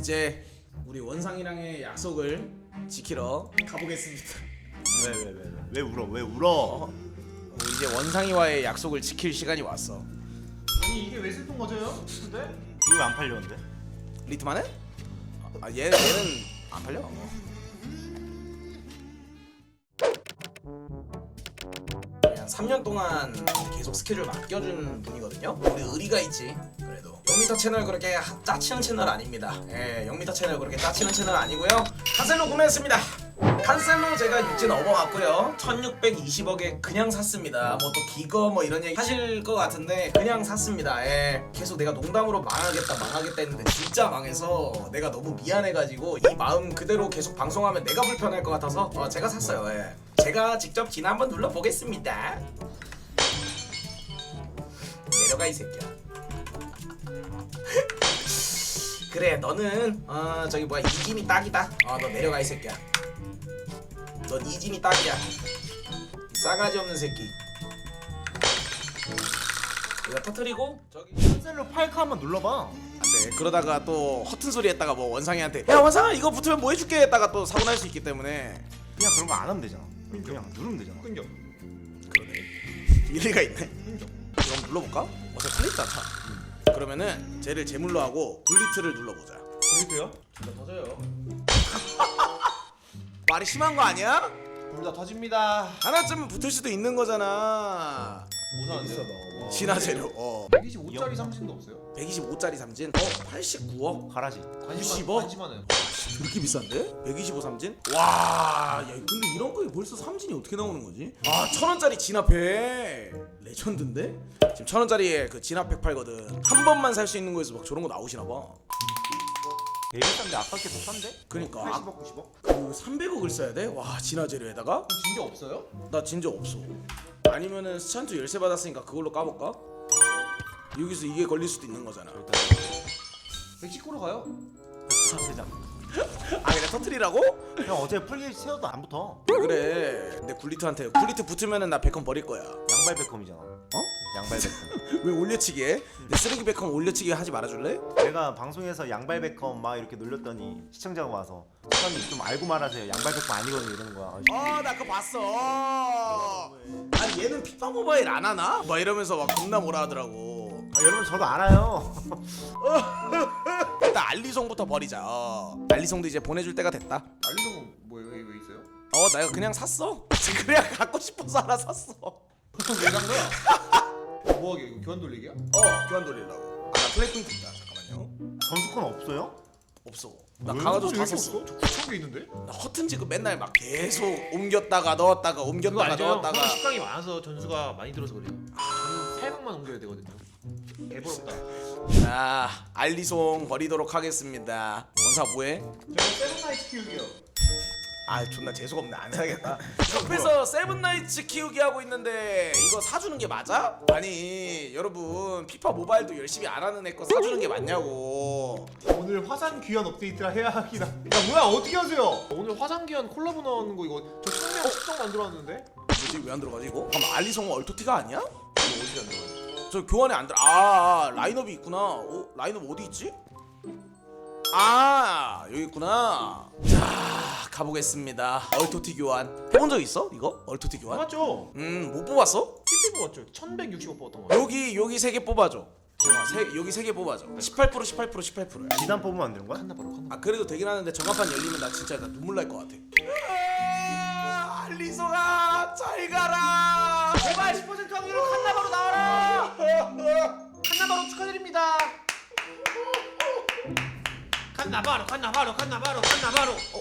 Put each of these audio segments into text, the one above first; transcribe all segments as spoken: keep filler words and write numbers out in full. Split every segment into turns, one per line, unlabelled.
이제 우리 원상이랑의 약속을 지키러 가보겠습니다.
왜 왜 왜 왜 왜 울어 왜 울어?
어, 이제 원상이와의 약속을 지킬 시간이 왔어.
아니 이게 왜 슬픈 거죠? 근데?
이거 왜 안 팔렸는데?
리트만은? 아 얘, 얘는 안 팔려. 그냥 삼 년 동안 계속 스케줄 맡겨준 분이거든요. 우리 의리가 있지. 그래도 영미터 채널 그렇게 하- 짜치는 채널 아닙니다. 예, 영미터 채널 그렇게 짜치는 채널 아니고요. 칸셀로 구매했습니다. 칸셀로 제가 육진 업어갔고요. 천육백이십억에 그냥 샀습니다. 뭐 또 기거 뭐 이런 얘기 하실 것 같은데 그냥 샀습니다. 예. 계속 내가 농담으로 망하겠다 망하겠다 했는데 진짜 망해서 내가 너무 미안해가지고 이 마음 그대로 계속 방송하면 내가 불편할 것 같아서 어, 제가 샀어요. 예. 제가 직접 진 한번 눌러보겠습니다. 내려가 이 새끼야. 그래 너는 어 저기 뭐야 이짐이 딱이다. 어 너 내려가 이 새끼야. 넌 이짐이 딱이야. 싸가지 없는 새끼. 이거 터뜨리고 저기
셀로 팔카 한번 눌러봐.
안돼. 그러다가 또 허튼 소리 했다가 뭐 원상이한테 야 원상아 이거 붙으면 뭐 해줄게 했다가 또 사고 날 수 있기 때문에.
그냥 그런 거 안 하면 되잖아. 그냥 누르면 되잖아.
끊겨.
그러네. 일리가 있네. 그럼 눌러볼까? 어차피 틀렸잖아. 그러면은 쟤를 제물로 하고 굴리트를 눌러보자.
그리고요? 진짜 터져요.
말이 심한 거 아니야?
둘 다 터집니다.
하나쯤은 붙을 수도 있는 거잖아.
뭐 사는데요?
진화 재료. 어.
백이십오짜리 삼진도 없어요?
백이십오짜리 삼진. 어 팔십구억.
가라지.
구십억?
관심하네요.
그렇게 비싼데? 백이십오 삼진? 와, 야 근데 이런 거에 벌써 삼진이 어떻게 나오는 거지? 아, 천 원짜리 진압팩 레전드인데? 지금 천 원짜리에 그 진압팩 팔거든. 한 번만 살 수 있는 거에서 막 저런 거 나오시나 봐.
되게 싼데 아깝게 더 싼데?
그러니까
팔십억, 구십억?
그 삼백억을 써야 돼? 와, 진화 재료에다가?
그럼 진짜 없어요?
나 진짜 없어. 아니면은 스찬트 열쇠 받았으니까 그걸로 까볼까? 여기서 이게 걸릴 수도 있는 거잖아.
백십구로 가요.
세장.
아, 그냥 터트리라고?
형 어제 풀게 세워도 안 붙어.
그래. 근데 굴리트한테 굴리트 붙으면은 나 백컴 버릴 거야.
양발 베컴이잖아.
어?
양발 베컴.
왜 올려치기 해? 내 쓰레기 백컴 올려치기 하지 말아줄래?
내가 방송에서 양발 베컴 막 이렇게 놀렸더니 시청자가 와서 사장님 좀 알고 말하세요. 양발 베컴 아니거든요 이러는 거야.
어, 나 그거 봤어. 아니 얘는 피파 모바일 안 하나? 막 이러면서 막 겁나 뭐라 하더라고.
아, 여러분 저도 알아요.
일단 알리송부터 버리자. 어. 알리송도 이제 보내줄 때가 됐다.
알리송은 뭐예요? 왜, 왜 있어요?
어, 내가 그냥 샀어. 그냥 갖고 싶어서 하나 샀어. 어,
왜 산 거야? 뭐하게? 이거 교환 돌리기야?
교환 돌리려고. 아, 나 플레이포인트 있다. 잠깐만요.
점수권 없어요?
없어. 나
왜
강화도
이렇게
다
없어?
썼어.
저 구천 개 있는데?
나 허튼 지금 맨날 막 계속 옮겼다가 넣었다가
그거
옮겼다가
알죠?
넣었다가.
형 식당이 많아서 전수가 많이 들어서 그래요. 저는 세 방만 옮겨야 되거든요. 개부럽다.
자, 알리송 버리도록 하겠습니다. 원사 뭐해?
저 세븐나이츠 키우기요.
아, 존나 재수없네. 안 사야겠다. 옆에서 세븐나이츠 키우기 하고 있는데 이거 사주는 게 맞아? 아니 여러분 피파 모바일도 열심히 안 하는 애 거 사주는 게 맞냐고.
오늘 화산 귀환 업데이트라 해야 하긴 하. 야 뭐야 어떻게 하세요?
오늘 화상기한 콜라보 나오는 거 이거 저 청량 수정 만들어놨는데?
뭐지, 왜 안 들어가지 이거? 잠깐 알리송 얼토티가 아니야?
이거 어디 안 들어가요?
저 교환에 안 들어. 아, 아 라인업이 있구나. 어? 라인업 어디 있지? 아, 여기 있구나. 자, 가보겠습니다. 얼토티 교환 해본 적 있어? 이거? 얼토티 교환?
맞죠?
음, 못 뽑았어?
피피 뽑았죠? 천백육십오 뽑았던 거 같아요.
여기 여기 세 개 뽑아줘. 지영아, 세, 여기 세 개 뽑아줘. 십팔 퍼센트 십팔 퍼센트 십팔 퍼센트야.
지단 뽑으면 안 되는 거야?
칸나 바로 칸나.
아, 그래도 되긴 하는데 저간판 열리면 나 진짜 나 눈물 날 것 같아. 아, 알리송아 잘 가라.
제발 십 퍼센트 확률로 칸나 바로 나와라. 칸나 바로 축하드립니다. 칸나 바로 칸나 바로 칸나 바로 칸나 바로. 어?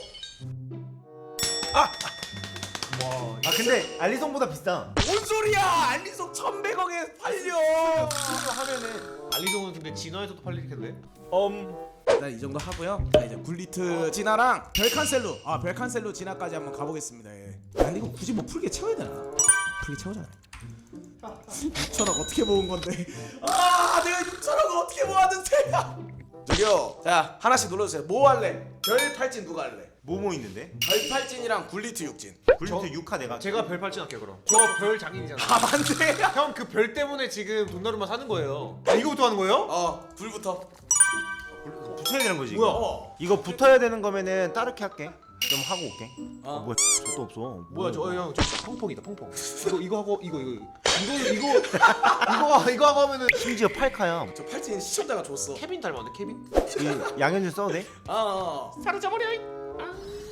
아 근데 알리송보다 비싸.
뭔 소리야? 알리송 천백억에 팔려.
이거 하면은 알리송은 근데 진화에서도 팔릴 텐데.
음. 일단 이 정도 하고요. 자, 이제 굴리트 진화랑 별칸셀루. 아, 별칸셀루 진화까지 한번 가보겠습니다. 예. 아, 근데 이거 굳이 뭐 풀게 채워야 되나? 풀게 채우잖아. 육천억 어떻게 모은 건데? 아, 내가 육천억 어떻게 모았는데? 저기요. 자, 하나씩 눌러주세요. 뭐 할래? 별 팔진 누가 할래?
뭐뭐 있는데?
별 팔진이랑 굴리트 육진.
굴리트 육 카 내가.
제가 별 팔진 할게요 그럼. 저 별 장인이잖아.
아, 맞네.
형 그 별 때문에 지금 돈나루만 사는 거예요.
아 이거부터 하는 거예요?
어, 불부터.
붙어야 되는 거지.
뭐야?
이거.
어.
이거 붙어야 되는 거면은 따르게 할게. 좀 하고 올게.
어.
어, 뭐야? 저도 없어.
뭐야 저 형 저 펑펑이다 펑펑. 이거 이거 하고 이거 이거 이거 이거 이거 이거 하고 하면은
심지어 팔카야.
저 팔찌는 시청자가 줬어.
케빈 닮았네 케빈.
이 양현준 써도 돼?
아.
사라져버려. 아.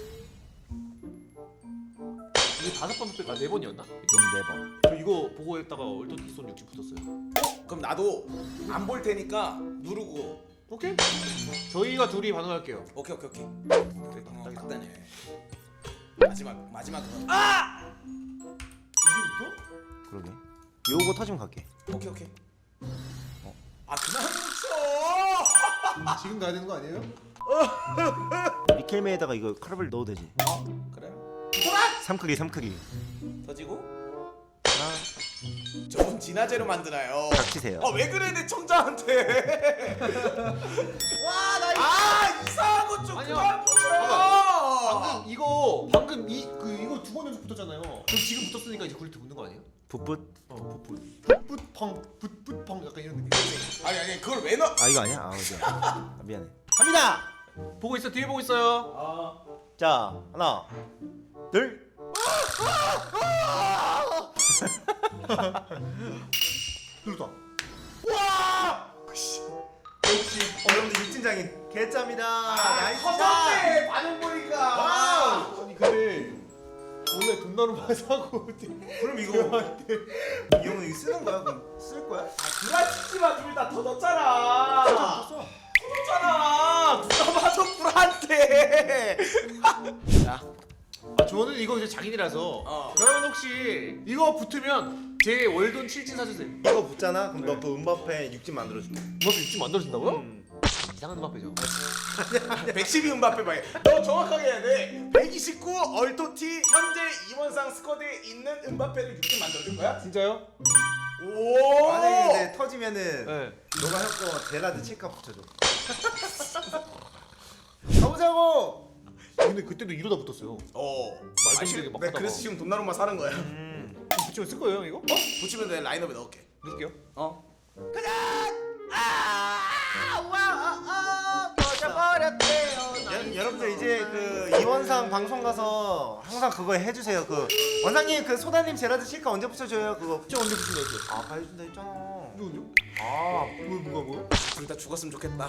이거 다섯 번 붙었 아네 번이었나? 이거?
음, 네 번.
저 이거 보고 했다가 얼토티 쏜 육지 붙었어요.
그럼 나도 안 볼 테니까 누르고.
오케이. 저희가 둘이 반응할게요.
오케이 오케이 오케이.
됐다.
어,
딱이다.
딱 되네. 마지막 마지막 그거. 아!
이게부터?
그러게. 요거 터지면 갈게.
오케이 오케이.
어.
아 그만 쳐.
지금 가야 되는 거 아니에요?
리켈메에다가 이거 카르벨 넣어도 되지.
어 그래.
삼크기 삼크기.
터지고.
하나.
저분 진화제로 만드나요?
닥치세요.
아 왜 그래 내 청자한테. 와나 아 이상한 거 좀
아니요.
그만 붙여.
방금 이거 방금 이 그 이거 두 번 연속 붙었잖아요. 그럼 지금 붙었으니까 이제 굴리트 붙는 거 아니에요?
붓붓.
어, 붓붓.
붓붓펑 붓붓펑 약간 이런 느낌.
아니 아니 그걸 왜 넣어?
아 이거 아니야? 아 미안. 아, 미안해. 갑니다.
보고 있어 뒤에 보고 있어요.
아
자 하나, 둘.
눌렀다.
와.
역시 여러분들 육진장인 개짜입니다.
아, 터졌네 반응 보니까.
와! 아니 근데 원래 돈 나누면 사고
그럼 이거 이 형은 이거 쓰는 거야? 그럼 쓸 거야?
불안치지마 둘 다 터졌잖아. 터졌잖아. 누가 봐도 불안해. 자.
아 저는 이거 이제 장인이라서.
어.
여러분 혹시 이거 붙으면 제 월돈 칠진 사주세요.
이거 붙잖아. 그럼
네.
너 그 음바페 육진 만들어줄게.
음바페 육진 만들어준다고요?
음.
이상한 음바페죠.
백십이 음바페 봐요. 너 정확하게 해야 돼. 백이십구 얼토티 현재 이원상 스쿼드에 있는 음바페를 육진 만들어줄 거야?
진짜요?
오.
만약에 근데 터지면은
네.
너가 형 거 제라드 칠카 붙여줘. 가보자고.
근데 그때도 이러다 붙었어요.
어.
말도 안 되게 막
내가
하다가.
그래서 지금 돈나룸만 사는 거야.
음.
붙이면 쓸 거예요 이거?
어? 붙이면 내 라인업에 넣을게.
넣을게요.
어.
여, 여러분들 이제 그 이원상 방송 가서 항상 그거 해주세요. 그 원상님 그 소다님 제라드 칠카 언제 붙여줘요? 그거.
저 언제 붙인다 했어요?
아 가해준다 했잖아.
이거 언제?
아.
뭐 뭐가 뭐야?
둘 다 죽었으면 좋겠다.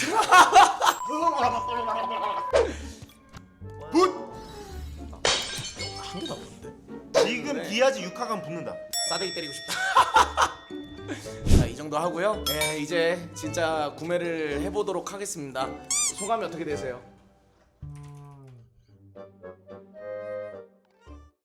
한 개도 안 붙는데?
지금
네.
디아즈 육 화간 붙는다.
싸대기 때리고 싶다. 자, 이 정도 하고요. 예, 이제 진짜 구매를 해보도록 하겠습니다. 소감이 어떻게 되세요?